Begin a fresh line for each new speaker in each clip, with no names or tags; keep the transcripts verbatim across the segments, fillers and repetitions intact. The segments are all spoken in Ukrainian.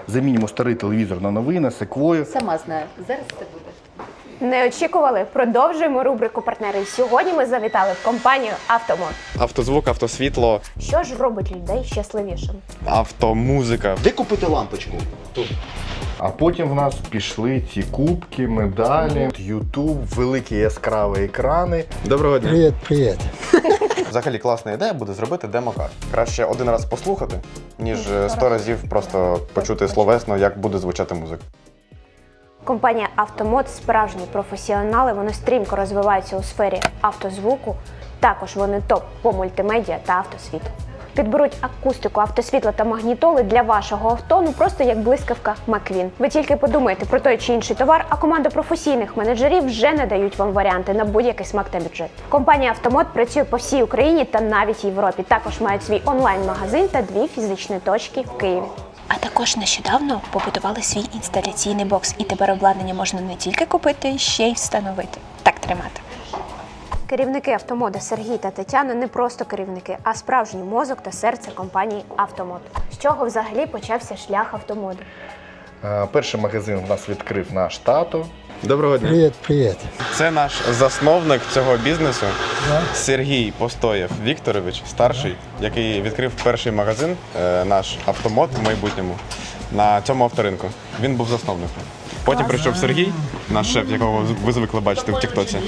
замінимо старий телевізор на новий, на секвою.
Сама знаю, зараз це буде.
Не очікували? Продовжуємо рубрику «Партнери». Сьогодні ми завітали в компанію «Автомод».
Автозвук, автосвітло,
Що ж робить людей щасливішим?
автомузика.
Де купити лампочку? Тут.
А потім в нас пішли ці кубки, медалі, Ютуб, великі яскраві екрани.
Доброго дня.
Привіт, привіт.
Взагалі класна ідея буде зробити демокар. Краще один раз послухати, ніж сто разів просто почути словесно, як буде звучати музика.
Компанія «Автомод» – справжні професіонали, вони стрімко розвиваються у сфері автозвуку, також вони топ по мультимедіа та автосвітлу. Підберуть акустику, автосвітло та магнітоли для вашого авто, ну просто як блискавка Маквін. Ви тільки подумайте про той чи інший товар, а команда професійних менеджерів вже надають вам варіанти на будь-який смак та бюджет. Компанія «Автомод» працює по всій Україні та навіть Європі. Також мають свій онлайн-магазин та дві фізичні точки в Києві.
А також нещодавно побудували свій інсталяційний бокс, і тепер обладнання можна не тільки купити, ще й встановити. Так тримати.
Керівники «Автомода» Сергій та Тетяна не просто керівники, а справжній мозок та серце компанії «Автомод». З чого взагалі почався шлях «Автомоду»?
Е, Перший магазин в нас відкрив наш тато.
Доброго дня.
Привіт, привіт.
Це наш засновник цього бізнесу Сергій Постоєв Вікторович, старший, який відкрив перший магазин, е, наш «Автомод» в майбутньому, на цьому авторинку. Він був засновником. Потім прийшов Сергій, наш шеф, якого ви звикли бачити в Тіктоці.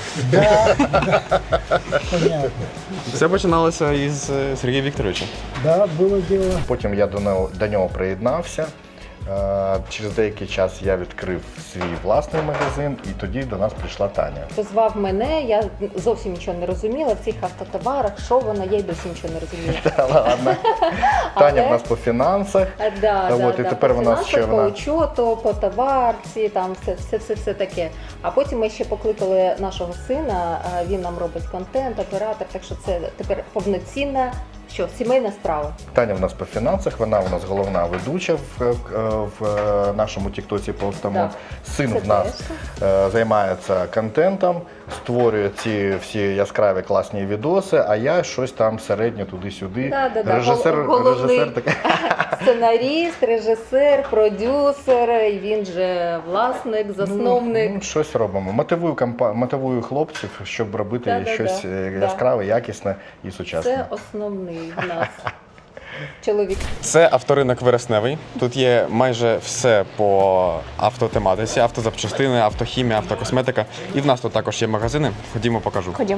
Все починалося із е, Сергія Вікторовича.
Да, було діло.
Потім я до нього, до нього приєднався. Е, Через деякий час я відкрив свій власний магазин, і тоді до нас прийшла Таня.
Позвав мене, я зовсім нічого не розуміла в цих автотоварах, що воно, я й досі нічого не розумію.
Та ладно. Таня в нас по фінансах.
А, да,
Та
да,
от, і
да,
тепер
по
вона ще
фінансах, по
вона-
учету, по товарці, там все, все, все, все таке. А потім ми ще покликали нашого сина, а, він нам робить контент, оператор, так що це тепер повноцінна, що, сімейна справа.
Таня в нас по фінансах, вона у нас головна ведуча в, в, в нашому тіктоці по «Автомод».
Так.
Син
Це
в нас е, займається контентом, створює ці всі яскраві класні відоси, а я щось там середньо туди-сюди.
Да, да, да.
Режисер,
Гол- головний
режисер такий.
Сценаріст, режисер, продюсер, і він же власник, засновник.
Ну, щось робимо. Мотивую, компа- мотивую хлопців, щоб робити
Да, да,
щось
да.
е,
Да.
яскраве, якісне і сучасне.
Це основний в нас чоловік.
Це авторинок Вересневий. Тут є майже все по автотематиці, автозапчастини, автохімія, автокосметика. І в нас тут також є магазини. Ходімо, покажу.
Ходім.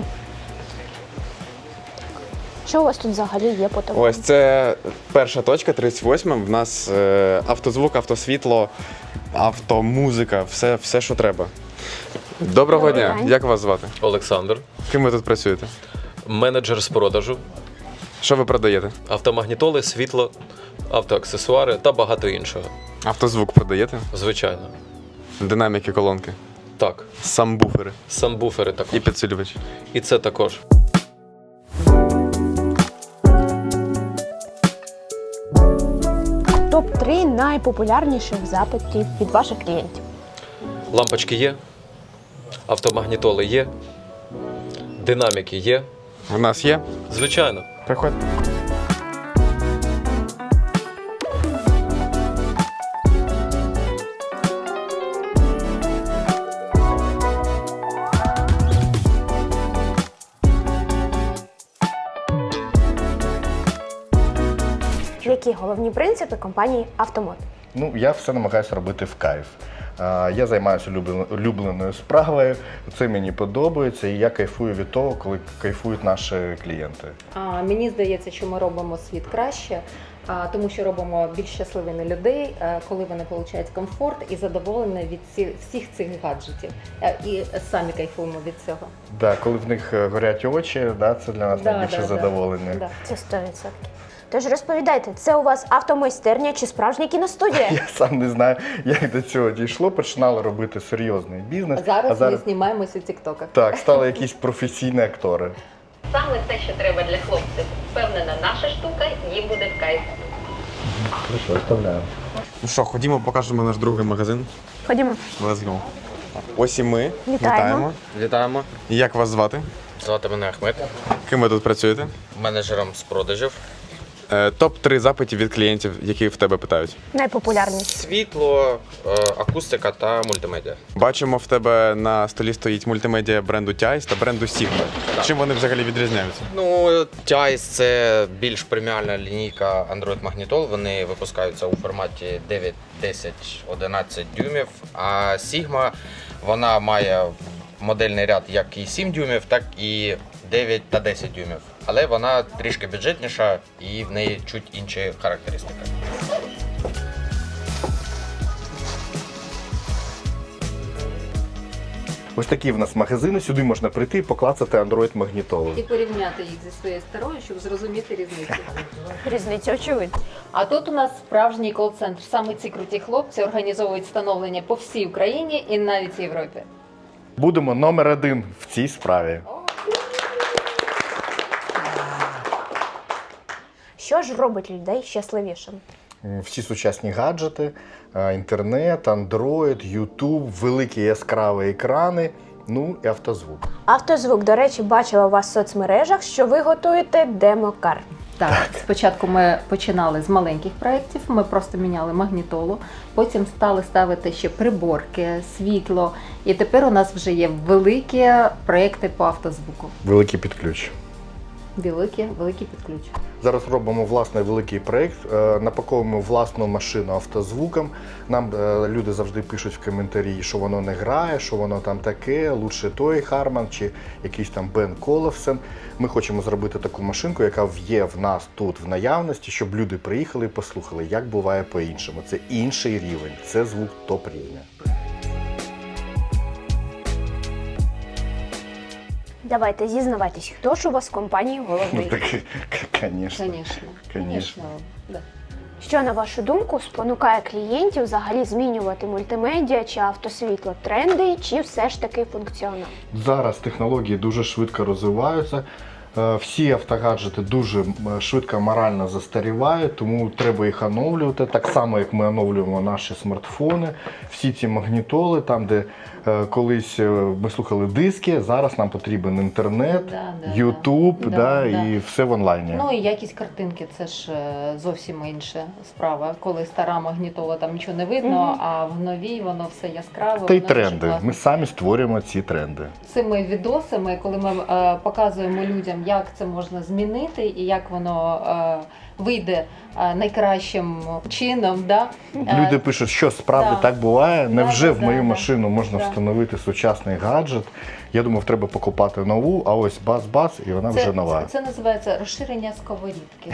Що у вас тут взагалі є по товару?
Ось це перша точка, тридцять восьма. В нас е, автозвук, автосвітло, автомузика, все, все, що треба. Доброго
Добрий
дня.
день.
Як вас звати?
Олександр,
Ким ви тут працюєте?
менеджер з продажу,
Що ви продаєте?
автомагнітоли, світло, автоаксесуари та багато іншого.
Автозвук продаєте?
Звичайно.
Динаміки, колонки,
Так,
самбуфери
санбуфери також.
і підсилювач.
І це також.
топ три найпопулярніших запитів від ваших клієнтів.
Лампочки є, автомагнітоли є, динаміки є.
В нас є?
Звичайно.
Приходьте.
Які головні принципи компанії «Автомод»?
Ну, я все намагаюся робити в кайф. А, Я займаюся улюблен- улюбленою справою, це мені подобається, і я кайфую від того, коли кайфують наші клієнти.
А, мені здається, що ми робимо світ краще, а, тому що робимо більш щасливими людей, а, коли вони отримують комфорт і задоволені від ці, всіх цих гаджетів. А, і самі кайфуємо від цього.
Да, коли в них е, горять очі, да, це для нас
Да,
найбільше
да, да.
задоволення.
Да.
Це сто відсотків. Тож розповідайте, це у вас автомайстерня чи справжня кіностудія?
Я сам не знаю, як до цього дійшло. Починали робити серйозний бізнес.
Зараз,
а зараз
ми знімаємося у тіктоках.
так, стали якісь професійні актори.
Саме те, що треба для хлопців. Впевнена, наша штука їм буде в кайф.
Хорошо, оставляю.
Ну що, ходімо, покажемо наш другий магазин.
Ходімо.
Let's go. Ось і ми.
Вітаємо.
Вітаємо.
Як вас звати?
Звати мене Ахмед,
Ким ви тут працюєте?
менеджером з продажів.
Е, топ три запитів від клієнтів, які в тебе питають.
Найпопулярніші.
Світло, е, акустика та мультимедіа.
Бачимо, в тебе на столі стоїть мультимедіа бренду Тяйс та бренду Sigma. Чим вони взагалі відрізняються?
Ну, Тяйс це більш преміальна лінійка Android магнітол. Вони випускаються у форматі дев'ять, десять, одинадцять дюймів. А Sigma, вона має модельний ряд як і сім дюймів, так і дев'ять та десять дюймів. Але вона трішки бюджетніша і в неї чуть інші характеристики.
Ось такі в нас магазини. Сюди можна прийти і поклацати Android магнітолу.
І порівняти їх зі своєю старою, щоб зрозуміти різницю.
Різниця очевидна.
А тут у нас справжній кол-центр. Саме ці круті хлопці організовують встановлення по всій Україні і навіть Європі.
Будемо номер один в цій справі.
Що ж робить людей щасливішими?
Всі сучасні гаджети, е, інтернет, Android, YouTube, великі яскраві екрани, ну і автозвук.
Автозвук, до речі, бачила у вас в соцмережах, що ви готуєте демокар.
Так, спочатку ми починали з маленьких проєктів, ми просто міняли магнітолу, потім стали ставити ще приборки, світло, і тепер у нас вже є великі проєкти по автозвуку.
Великий підключ.
Великі, великі підключ.
Зараз робимо власний великий проєкт, е, напаковуємо власну машину автозвуком. Нам е, люди завжди пишуть в коментарі, що воно не грає, що воно там таке, лучше той Harman чи якийсь там Бен Коловсен. Ми хочемо зробити таку машинку, яка є в нас тут в наявності, щоб люди приїхали і послухали, як буває по-іншому. Це інший рівень, це звук топ-рівня.
Давайте зізнавайтесь, хто ж у вас в компанії
Ну
головний?
так, звісно.
Звісно.
Конечно.
Да.
Що, на вашу думку, спонукає клієнтів взагалі змінювати мультимедіа чи автосвітло? Тренди чи все ж таки функціонал?
Зараз технології дуже швидко розвиваються. Е, Всі автогаджети дуже м, швидко морально застарівають, тому треба їх оновлювати. Так само, як ми оновлюємо наші смартфони. Всі ці магнітоли, там, де е, колись е, ми слухали диски, зараз нам потрібен інтернет,
Да, да,
Ютуб,
да.
да,
Да,
і все в онлайні.
Ну і якість картинки це ж е, зовсім інша справа. Коли стара магнітола, там нічого не видно,
Мгм.
а в новій воно все яскраве.
Та й
воно дуже
тренди.
класно.
Ми самі створюємо ці тренди.
Цими відосами, коли ми е, показуємо людям, як це можна змінити і як воно е, вийде е, найкращим чином. Да? Е,
Люди пишуть, що справді
да.
так буває. Невже
Да,
в
да,
мою
да,
машину можна
да.
встановити сучасний гаджет? Я думав, треба покупати нову, а ось бас-бас, і вона
це,
вже нова.
Це, це називається розширення сковорідки.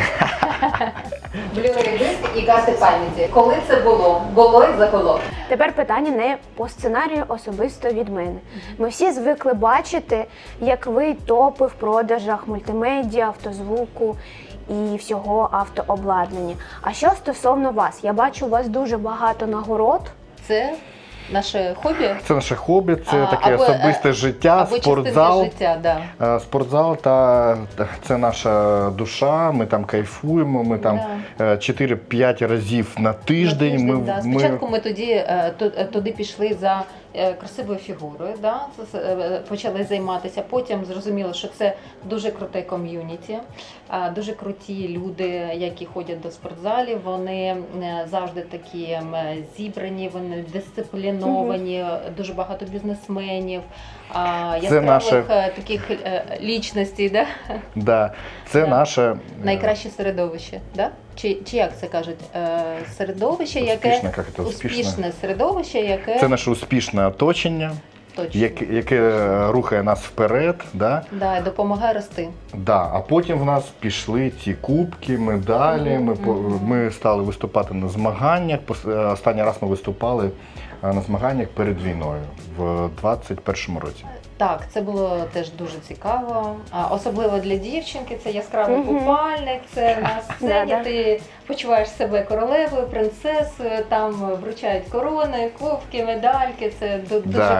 Blu-ray диск і карти пам'яті. Коли це було? Було і загуло.
Тепер питання не по сценарію особисто від мене. Ми всі звикли бачити, як ви топи в продажах мультимедіа, автозвуку і всього автообладнання. А що стосовно вас? Я бачу у вас дуже багато нагород.
Це наше хобі.
Це наше хобі, це
А,
таке
або,
особисте
е,
життя,
Або
спортзал.
частинка життя, да.
Е, Спортзал та та це наша душа. Ми там кайфуємо. Ми там е, чотири-п'ять разів на тиждень.
На тиждень,
Ми,
да.
ми
Спочатку ми тоді е, ту- е, туди пішли за е, красивою фігурою, да? це- е, почали займатися. Потім зрозуміло, що це дуже круте ком'юніті, е, дуже круті люди, які ходять до спортзалів. Вони е, завжди такі м, зібрані, вони дисципліновані, дуже багато бізнесменів, е, яскравих
наше-
е, таких е, лічностей, да?
да, це
Да.
наше е,
Найкраще середовище, да? Чи, чи як це кажуть? Е, середовище, яке
Успішне, як це успішне?
успішне середовище, яке
це наше успішне оточення,
точно
яке, яке рухає нас вперед. Да?
да, допомагає рости.
Да, а потім в нас пішли ці кубки, медалі. Ми, по- ми стали виступати на змаганнях. Пос- е, Останній раз ми виступали е, на змаганнях перед війною в двадцять першому році.
Так, це було теж дуже цікаво. А особливо для дівчинки, це яскравий
Мгм.
купальник, це на сцені.
Да-да.
Ти почуваєш себе королевою, принцесою, там вручають корони, кубки, медальки. Це ду- дуже
Да.
кайфово.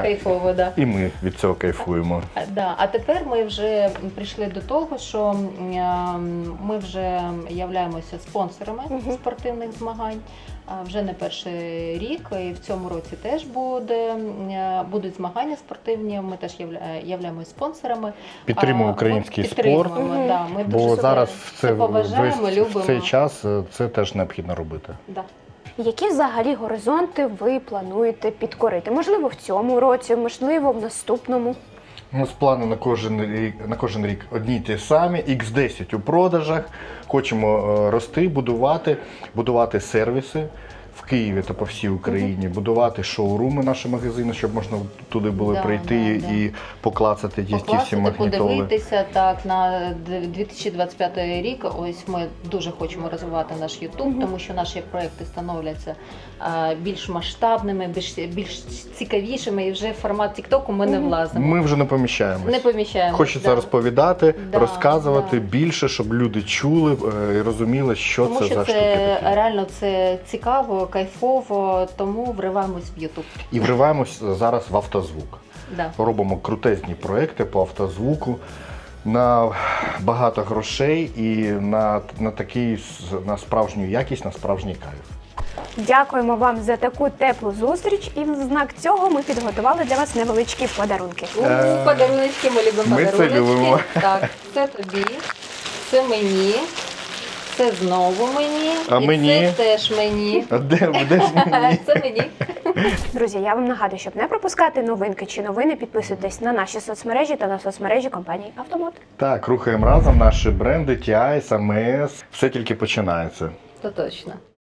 кайфово, да.
І ми від цього кайфуємо.
А, да. А тепер ми вже прийшли до того, що м, е, ми вже являємося спонсорами
Мгм.
спортивних змагань. А вже не перший рік, і в цьому році теж буде, е, будуть змагання спортивні. Ми теж явля- являємося спонсорами.
Підтримуємо
А, ми
український спорт,
підтримуємо,
Мгм.
да, ми
бо
дуже
зараз
це,
в це,
поважаємо,
весь-
любимо.
в цей час е, це теж необхідно робити.
Да.
Які взагалі горизонти ви плануєте підкорити? Можливо, в цьому році, можливо, в наступному.
У нас плани на кожен рік, на кожен рік одні й ті самі, ікс десять у продажах. Хочемо е, рости, будувати, будувати сервіси в Києві та по всій Україні, будувати шоуруми, наші магазини, щоб можна туди було
Да,
прийти
да, да.
і поклацати ті, ті всі
Покласти,
магнітоли.
подивитися так на дві тисячі двадцять п'ятий рік. Ось ми дуже хочемо розвивати наш YouTube, тому що наші проекти становляться а, більш масштабними, більш більш цікавішими, і вже в формат TikTok ми не влазимо.
Ми вже не поміщаємось.
Не поміщаємо.
Хочеться
да.
розповідати,
Да,
розказувати
да.
більше, щоб люди чули е, і розуміли, що
Тому
це
що
за штуки
це
такі.
реально це цікаво, кайфово, тому вриваємось в YouTube.
І вриваємось зараз в автозвук.
Да.
Робимо крутезні проекти по автозвуку на багато грошей і на, на такий с- на справжню якість, на справжній кайф.
Дякуємо вам за таку теплу зустріч, і в знак цього ми підготували для вас невеличкі подарунки.
У, Подаруночки, ми любимо
Ми це
подаруночки.
любимо.
Так, це тобі, це мені, це знову мені,
А
і
мені?
це теж мені.
А де, де ж мені?
Це мені.
Друзі, я вам нагадую, щоб не пропускати новинки чи новини, підписуйтесь на наші соцмережі та на соцмережі компанії Автомод.
Так, рухаємо разом наші бренди, ті ай ес, ем ес. Все тільки починається.
То точно.